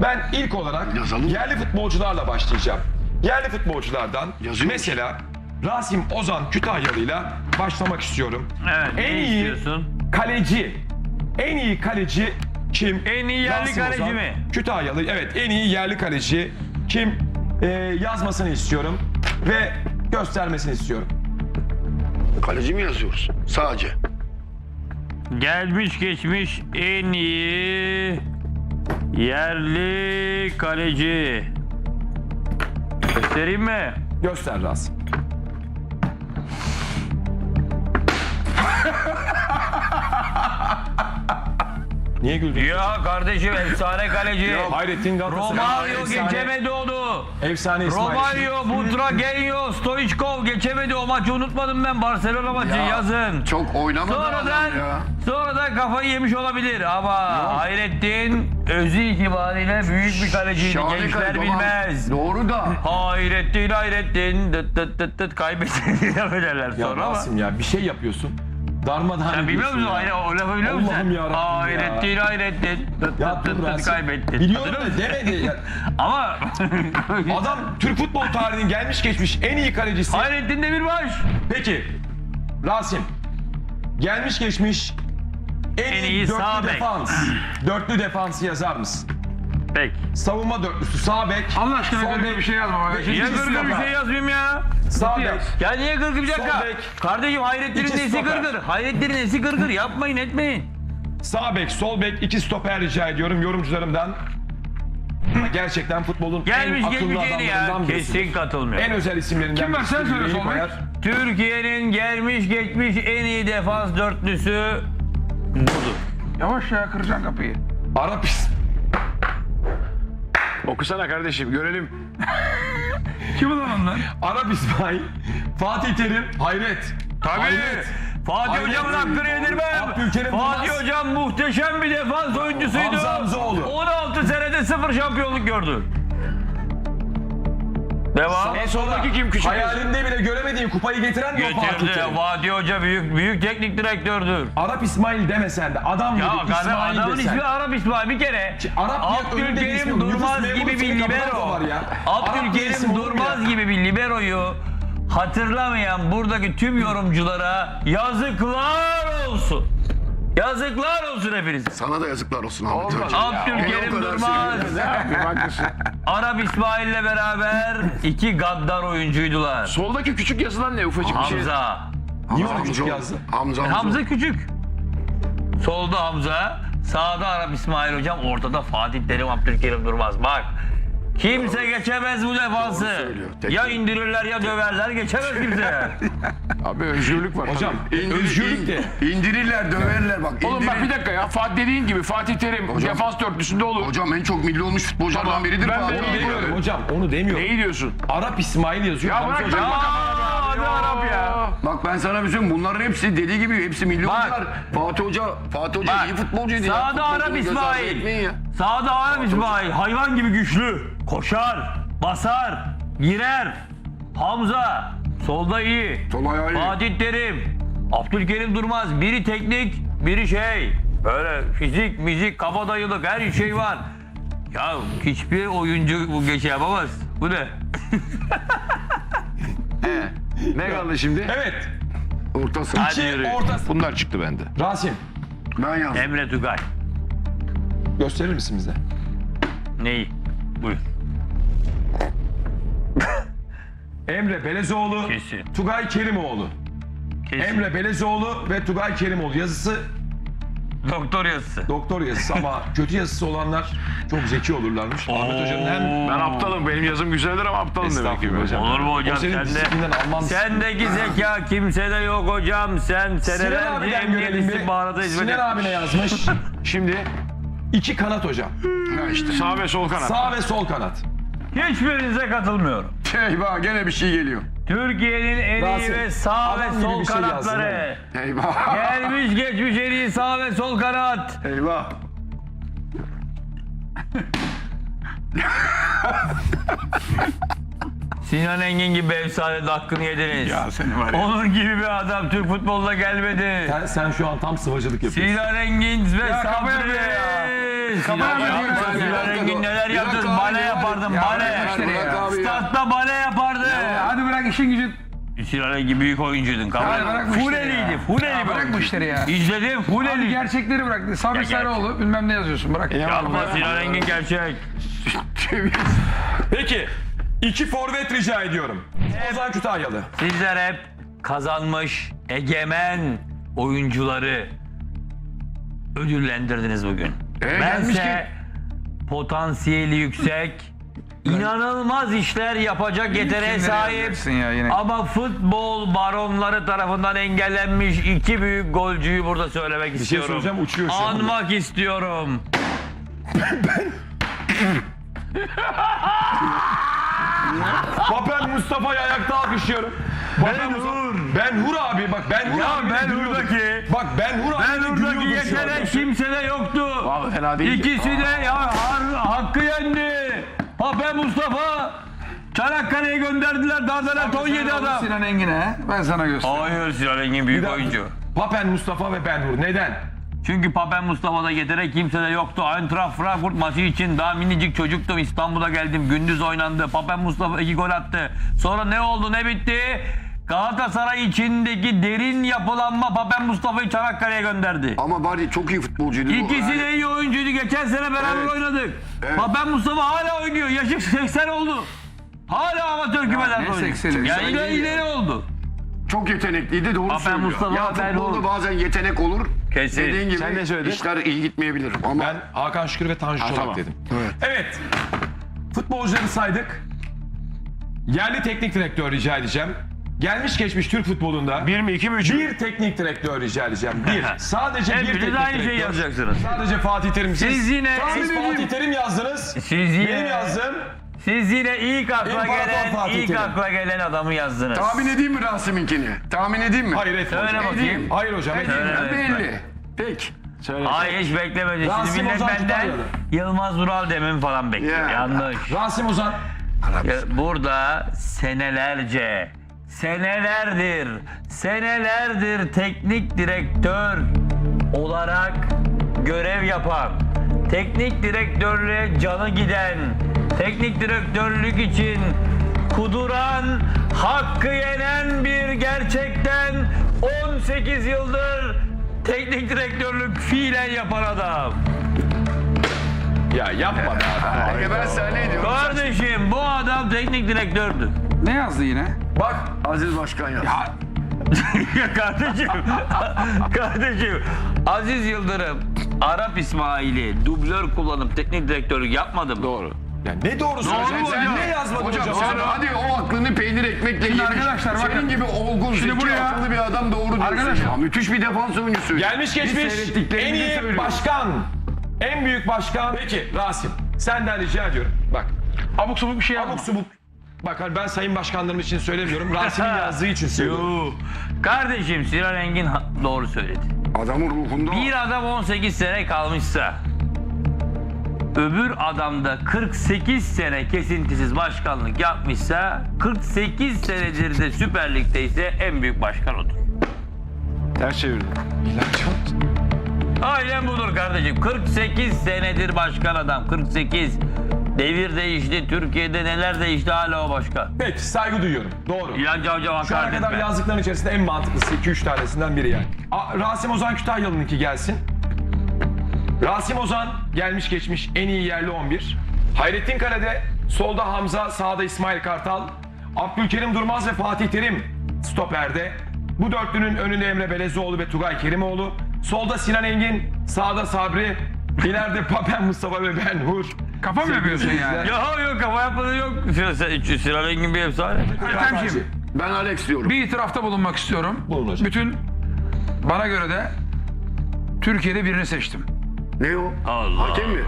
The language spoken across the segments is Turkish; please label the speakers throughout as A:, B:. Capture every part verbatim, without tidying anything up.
A: Ben ilk olarak
B: Yazalım.
A: yerli futbolcularla başlayacağım. Yerli futbolculardan
B: Yazıyor
A: mesela Rasim Ozan Kütahyalı'yla başlamak istiyorum.
C: Evet,
A: En
C: ne
A: iyi
C: istiyorsun?
A: kaleci, en iyi kaleci kim?
C: En iyi yerli
A: Rasim
C: kaleci
A: Ozan
C: mi?
A: Kütahyalı, evet, en iyi yerli kaleci kim? Ee, yazmasını istiyorum ve göstermesini istiyorum.
B: Kaleci mi yazıyoruz? Sadece.
C: Gelmiş geçmiş en iyi yerli kaleci. Göstereyim mi?
A: Göster Rasim. Niye güldün?
C: Ya kardeşim efsane kaleci.
A: Hayrettin Galatasaray.
C: Romario
A: Efsane-
C: geçemedi onu.
A: Efsane İsmail.
C: Romario, Butragueño, Stoichkov geçemedi. O maçı unutmadım ben. Barcelona maçı
B: Ya,
C: yazın.
B: Çok oynamadı
C: Sonradan,
B: adam ya.
C: sonradan kafayı yemiş olabilir ama Hayrettin özü itibariyle büyük bir kaleciydi.
B: Şahane
C: Gençler
B: kaleci,
C: bilmez.
B: tamam. Doğru da.
C: Hayrettin, Hayrettin, dıt dıt dıt dıt kaybetti diye ederler
A: Ya
C: sonra ama.
A: Rasim ya bir şey yapıyorsun. Darmadağın
C: Sen bilmiyor
A: ediyorsun
C: musun?
A: ya.
C: Hayır, o lafı biliyor musun
A: Allah'ım
C: sen?
A: yarabbim ya.
C: Hayrettin, Hayrettin, dıt
A: Ya
C: dıt
A: dur
C: dıt dıt
A: Rasim.
C: kaybetti.
A: Biliyorum
C: Hatırlıyor
A: da
C: musun?
A: demedi. Ya.
C: Ama
A: Adam Türk futbol tarihinin gelmiş geçmiş en iyi kalecisi.
C: Hayrettin Demirbaş.
A: Peki Rasim, gelmiş geçmiş en,
C: En
A: iyi,
C: iyi
A: dörtlü
C: sağ bek.
A: defans. Dörtlü defansı yazar mısın?
C: Peki.
A: Savunma dörtlüsü sağ bek.
D: Allah aşkına
A: sol
D: böyle
A: bek
D: bir şey yazma.
A: ve
D: Niye
C: Niye
A: ikinci
C: gırgır bir
A: stoper.
C: şey yazmayayım ya?
A: Sağ bek.
C: Ya niye gırgır bir dakika?
A: Sol bek.
C: Kardeşim Hayrettin'in
A: İki
C: nesi
A: stoper.
C: gırgır? Hayrettin'in nesi gırgır? Yapmayın etmeyin.
A: Sağ bek, sol bek, iki stoper rica ediyorum yorumcularımdan. Gerçekten futbolun
C: Gelmiş
A: en akıllı
C: geçmiş en iyi ya.
A: adamlarından birisidir.
C: Kesin katılmıyor.
A: En özel isimlerinden
D: Kim var? Sen
A: birisidir,
D: söyle
A: yüreği
D: sol bek.
A: koyar.
C: Türkiye'nin gelmiş geçmiş en iyi defans dörtlüsü budur.
D: Yavaş ya, kıracaksın kapıyı.
A: Arap is-
E: Okusana kardeşim görelim.
D: Kim ulan onlar?
A: Arap İsmail, Fatih Terim, Hayret.
C: Tabii.
A: Hayret.
C: Fatih
A: Hayret.
C: Hocam'ın hakkını yedirmem.
A: Abdülkerim
C: Fatih
A: Durmaz.
C: Hocam muhteşem bir defans oyuncusuydu.
A: Hamza Hamzaoğlu.
C: on altı senede sıfır şampiyonluk gördü. Devam.
A: En
E: soldaki kim küçük?
A: Hayalinde bile göremediğin kupayı getiren de o Fatih
C: Getirdi.
A: Terim.
C: Fatih Hoca büyük büyük teknik direktördür.
A: Arap İsmail demesen de adam
C: Ya
A: gibi
C: kardeşim
A: İsmail
C: adamın
A: desen.
C: ismi Arap İsmail bir kere.
A: Arap diye önünde bir ismi
C: Abdülkerim
A: yok.
C: Durmaz
A: Nüfus memuru
C: gibi bir
A: senin kapıdan da
C: libero.
A: var ya. Arap diye
C: Abdülkerim
A: isim olur mu
C: Durmaz
A: ya?
C: gibi bir liberoyu hatırlamayan buradaki tüm yorumculara yazıklar olsun. Yazıklar olsun hepinize.
B: Sana da yazıklar olsun Ahmet Hoca.
C: Abdülkerim
B: O kadar
C: Durmaz,
B: şey-
E: Ne yapayım haklısın.
C: Arap İsmail'le beraber iki gaddar oyuncuydular.
E: Soldaki küçük yazılan ne ufacık bir şey.
C: Hamza.
A: Niye
B: Hamza
A: onu küçük
B: Hamza-
A: yazdı?
B: Hamza Hamza.
C: Hamza küçük. Solda Hamza, sağda Arap İsmail hocam, ortada Fatih Terim, Abdülkerim Durmaz. Bak. Kimse geçemez bu defansı.
B: söylüyor. Tek-
C: Ya indirirler ya döverler, geçemez kimse.
E: Abi özgürlük var.
A: Hocam
E: tabii.
B: İndir-
A: özgürlük de.
B: İndirirler, döverler bak.
E: Oğlum bak
B: indirir-
E: bir dakika ya. Fatih dediğin gibi Fatih Terim
B: Hocam-
E: defans dörtlüsünde olur.
B: Hocam en çok milli olmuş futbolculardan
E: Tamam,
B: biridir
E: ben
B: Fatih.
E: de
A: Onu
E: İyi
A: demiyorum
E: diyorum.
A: hocam, onu demiyorum.
E: Neyi diyorsun?
A: Arap İsmail yazıyor.
E: Ya
A: Hamza
E: bırak
A: Hoca-
E: takma kafana be abi. Ne Arap ya?
B: Bak ben sana bir söyleyeyim, bunların hepsi dediği gibi hepsi milli
C: Bak.
B: oyuncular. Fatih Hoca, Fatih Hoca
C: Bak,
B: iyi futbolcuydu ya.
C: sağda
B: Futbolcunu
C: Arap
B: göz ardı
C: İsmail.
B: etmeyin ya.
C: Sağda Arap İsmail, hayvan gibi güçlü. Koşar, basar, girer. Hamza, solda iyi.
B: Sol ayağı iyi.
C: Fatih Terim, Abdülkerim Durmaz. Biri teknik, biri şey. Böyle fizik, müzik, kabadayılık her şey var. Ya hiçbir oyuncu bu geçe yapamaz. Bu ne?
E: Ne kaldı şimdi?
A: Evet.
B: Orta saha.
C: Hadi
A: İki
C: yürü.
A: orta.
E: Bunlar çıktı bende.
A: Rasim,
B: Ben yazdım.
C: Emre Tugay.
A: gösterir misin bize?
C: Neyi? Buyur.
A: Emre Belezoğlu,
C: Kesin.
A: Tugay Kerimoğlu.
C: Kesin.
A: Emre Belezoğlu ve Tugay Kerimoğlu. Yazısı
C: Doktor yazısı.
A: doktor yazısı ama kötü yazısı olanlar çok zeki olurlarmış. Ahmet Hoca'nın hem
E: Ben aptalım. Benim yazım güzeldir ama aptalım demek ki.
A: Estağfurullah hocam.
C: Olur mu hocam?
A: O senin
C: Sende,
A: disiplinden alman.
C: sendeki zeka kimsede yok hocam. Sen
A: Sinan
C: senelerce
A: abiden
C: emniyet
A: görelim bir.
C: istihbarata hizmet
A: Sinan
C: etmiş.
A: abine yazmış.
E: Şimdi
A: İki kanat hocam.
B: Ha işte.
E: sağ ve sol kanat.
A: Sağ ve sol kanat.
C: Hiçbirinize katılmıyorum.
B: Eyvah gene bir şey geliyor.
C: Türkiye'nin en iyi
A: Rasim,
C: ve sağ
A: adam
C: ve
A: gibi
C: sol
A: bir şey
C: kanatları.
B: Eyvah.
C: Gelmiş geçmiş en iyi sağ ve sol kanat.
B: Eyvah.
C: Sinan Engin gibi efsane de hakkını yediniz.
D: Ya seni var ya.
C: Onun gibi bir adam Türk futboluna gelmedi.
A: Sen, sen şu an tam sıvacılık yapıyorsun.
C: Sinan Engin ve
D: Ya kafa
C: Sabri.
D: yapıyor ya.
C: Sinan,
D: Kafa yapıyor
C: yapma.
D: ya.
C: Sinan Engin neler
B: Bir
C: yaptın?
B: dakika
C: Bale
B: abi ya.
C: yapardın,
D: Ya
C: bale.
D: bırak işleri
B: Bırak
D: ya.
B: abi ya.
C: Statta bale yapardı.
D: Ya Hadi bırak işin gücün.
C: Sinan Engin büyük oyuncuydun. Kabul
D: Hadi
C: et.
D: bırak bu işleri
C: Fuleliydi,
D: ya.
C: fuleli
D: Ya
C: bir
D: bırak bu
C: oyuncu.
D: işleri ya.
C: İzledim,
D: Hadi
C: fuleli.
D: gerçekleri bırak. Sabri
C: Ya
D: Sarıoğlu bilmem ne yazıyorsun bırak.
C: Yapma Sinan Engin gerçek.
A: Peki. iki forvet rica ediyorum. Ozan Kütahyalı.
C: Sizler hep kazanmış, egemen oyuncuları ödüllendirdiniz bugün.
B: E,
C: Bense
B: gelmişken-
C: potansiyeli yüksek, inanılmaz işler yapacak yeteneğe
D: kimleri
C: sahip
D: yazacaksın ya yine?
C: ama futbol baronları tarafından engellenmiş iki büyük golcüyü burada söylemek
A: şey
C: istiyorum.
A: söyleyeceğim, uçuyor şu an.
C: Anmak istiyorum.
A: Papen Mustafa'yı ayakta alkışlıyorum. Ben Hur. Ben Hur abi bak Ben Hur
C: Ya
A: abi.
C: Ben Hur'daki-
A: Bak Ben Hur abi.
C: Ben
A: de
C: oradaki
A: gülüyordum şu anda.
C: yetenek kimsede yoktu.
B: Vallahi fena değil.
C: İkisi de ya har- hakkı yendi. Pape Mustafa Çanakkale'ye gönderdiler. Dardanel on yedi adam.
D: Sinan Engin'e ben sana göstereyim.
C: Hayır Sinan Engin büyük
A: Bir dakika.
C: oyuncu.
A: Papen Mustafa ve Ben Hur. Neden?
C: Çünkü Pape Mustafa'da yetenek kimsede yoktu. Eintracht Frankfurt maçı için daha minicik çocuktum. İstanbul'a geldim. Gündüz oynandı. Pape Mustafa iki gol attı. Sonra ne oldu ne bitti? Galatasaray içindeki derin yapılanma Pape Mustafa'yı Çanakkale'ye gönderdi.
B: Ama bari çok iyi futbolcuydu. bu.
C: İkisi
B: Yani-
C: de iyi oyuncuydu. Geçen sene beraber
B: Evet.
C: oynadık.
B: Evet.
C: Pape Mustafa hala oynuyor. Yaşı seksen oldu. Hala amatör kümeden
D: ne
C: oynuyor.
D: sekseni?
C: Ya
B: Sen
C: ileri
B: değil
C: ileri oldu.
B: Çok yetenekliydi, doğru
C: Papen
B: söylüyor.
C: Mustafa,
B: ya
C: Ben
B: futbolda
C: Hur.
B: bazen yetenek olur.
C: Kesin.
B: Dediğin gibi
E: Sen ne söyledin?
B: işler iyi gitmeyebilir. Ama
A: Ben Hakan Şükür ve Tanju Çolak
B: tamam.
A: dedim.
B: Evet.
A: Evet. Futbolcuları saydık. Yerli teknik direktör rica edeceğim. Gelmiş geçmiş Türk futbolunda
E: Bir mi iki mi üç mü?
A: bir teknik direktör rica edeceğim. Bir. Sadece bir
C: Hepiniz
A: teknik
C: aynı şeyi
A: direktör.
C: yazacaksınız.
A: Sadece Fatih Terim.
C: Siz yine-
A: Siz
C: Tahmin
A: Fatih Terim yazdınız.
C: Siz yine-
A: Benim yazdığım.
C: Siz yine ilk akla
A: İmparator
C: gelen,
A: Fatih
C: ilk
A: Terim.
C: akla gelen adamı yazdınız.
B: Tahmin edeyim mi Rasim'inkini? Tahmin edeyim mi?
A: Hayır etme
C: Söyle
A: hocam.
C: bakayım.
A: Hayır hocam. etme.
C: Söyle.
B: Ya
C: Evet,
B: belli. Peki.
E: Söyle.
C: Ay hiç beklemedim. Şimdi
A: Rasim
C: millet
A: Ozan
C: benden
A: Kütahyalı.
C: Yılmaz Vural demin falan bekliyor.
B: Ya.
C: Yanlış.
A: Rasim Ozan.
C: Ya burada senelerce, senelerdir, senelerdir teknik direktör olarak görev yapan, teknik direktörlüğe canı giden, teknik direktörlük için kuduran, hakkı yenen bir gerçekten on sekiz yıldır teknik direktörlük fiilen yapan adam.
A: Ya yapma be adam.
B: Peki ben sana ne diyorum?
C: Kardeşim bu adam teknik direktördü.
D: Ne yazdı yine?
A: Bak
B: Aziz Başkan ya.
D: Ya
C: Ya kardeşim, kardeşim Aziz Yıldırım Arap İsmail'i dublör kullanıp teknik direktörlük yapmadı mı?
E: Doğru.
A: ya ne doğrusu
C: Doğru
A: hocam?
C: mu
A: Sen
C: hocam?
A: ne yazmadın hocam?
B: Hocam
A: sen?
B: sen hadi o aklını peynir ekmekle
D: Şimdi
B: yemiş.
D: arkadaşlar bakın.
B: Senin gibi olgun,
D: Şimdi
B: zeki,
D: buraya-
B: akıllı bir adam doğru diyorsun
D: Arkadaşlar.
B: ya. Müthiş bir defans oyuncusu.
A: Gelmiş
B: Biz
A: geçmiş
B: seyrettiklerimizi
A: en iyi
B: söylüyoruz.
A: başkan. En büyük başkan. Peki Rasim senden rica ediyorum. Bak
D: abuk sabuk bir şey
A: abuk
D: yapma.
A: subuk. Bak hani ben sayın başkanlarım için söylemiyorum. Rasim'in yazdığı için söylüyorum.
C: Yuh. Kardeşim Sinan Engin ha- doğru söyledi.
B: Adamın ruhunda o.
C: Bir adam on sekiz sene kalmışsa öbür adam da kırk sekiz sene kesintisiz başkanlık yapmışsa kırk sekiz senedir de Süper Lig'de ise en büyük başkan odur.
E: Ters çevirdin.
C: Aynen budur kardeşim. kırk sekiz senedir başkan adam. kırk sekiz. Devir değişti. Türkiye'de neler değişti hala o başkan.
A: Peki saygı duyuyorum. Doğru.
C: İlhan Cavcav
A: Şu ana
C: hakaret
A: kadar
C: etme.
A: yazdıkların içerisinde en mantıklısı iki üç tanesinden biri yani. A, Rasim Ozan Kütahyalı'nınki gelsin. Rasim Ozan gelmiş geçmiş en iyi yerli on bir. Hayrettin Kale'de solda Hamza, sağda İsmail Kartal. Abdülkerim Durmaz ve Fatih Terim stoperde. Bu dörtlünün önünde Emre Belezoğlu ve Tugay Kerimoğlu. Solda Sinan Engin, sağda Sabri. İleride Papen Mustafa ve Ben Hur.
D: Kafa mı yapıyorsun yani?
C: Yok yok kafa yapmadı yok. Sinan- Sinan Engin bir efsane.
D: Ertemciğim
B: Ben Alex diyorum.
D: bir itirafta bulunmak istiyorum.
A: Bulun hocam.
D: Bütün bana göre de Türkiye'de birini seçtim.
B: Ne o?
C: Allah
B: Hakem mi?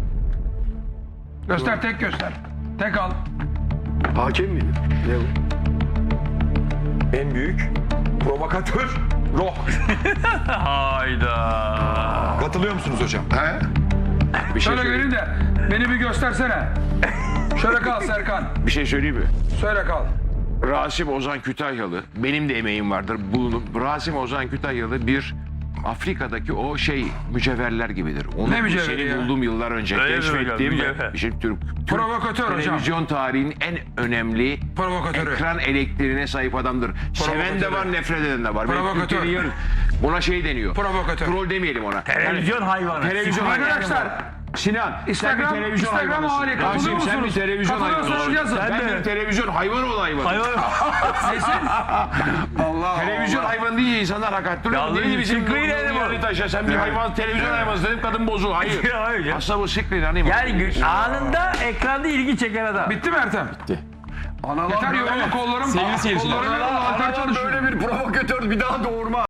D: Göster tek göster. Tek al.
B: Hakem miydi? Ne o?
A: En büyük provokatör Roh.
C: Hayda.
A: Katılıyor musunuz hocam?
B: He? Bir şey
D: Şöyle
B: söyleyeyim.
D: göreyim de beni bir göstersene. Şöyle kal Serkan.
F: Bir şey söyleyeyim mi?
D: Söyle kal.
F: Rasim Ozan Kütahyalı, benim de emeğim vardır. Bulunup Rasim Ozan Kütahyalı bir Afrika'daki o şey mücevherler gibidir. Onu
D: Ne mücevheri
F: senin
D: ya?
F: bulduğum yıllar önce
C: Öyle mi hocam?
F: keşfettiğim
C: Mücevher.
F: ve işte Türk, Türk
D: Provokatör hocam.
F: televizyon tarihinin en önemli
D: Provokatörü.
F: ekran elektriğine sahip adamdır. Seven de var, nefret eden de var. Benim
D: Provokatör.
F: Türkiye'nin yarı- Buna şey deniyor.
D: Provokatör.
F: Troll demeyelim ona.
C: Televizyon hayvanı.
F: Televizyon
D: Arkadaşlar,
F: Sinan,
D: Instagram-
F: sen bir televizyon
D: Instagram
F: hayvanısın.
D: hali, katılıyor
F: Rasim, sen bir
D: musunuz?
F: televizyon
D: Katılıyorsanız
F: hayvanısın.
D: yazın.
F: Ben
C: Ben de.
F: bir televizyon hayvanı ol hayvanı.
C: Hayvan.
F: Televizyon hayvanı deyince insanlar hakaret duruyor.
C: Yalnız
F: Neydi bizim
C: Screen
F: Nuri
C: Animal.
F: Ali Taş'a sen bir hayvan televizyon hayvanısın dedim kadın bozul. Hayır.
C: Hayır ya.
F: Aslında bu Screen Animal.
C: Yani gü- anında ekranda ilgi çeken adam.
D: Bitti mi Ertem? Bitti. Yeter yorumu kollarım.
A: Sevgili seyirciler.
D: Kollarım yorumu, altar çalışıyor.
B: Böyle bir provokatör bir daha doğurma.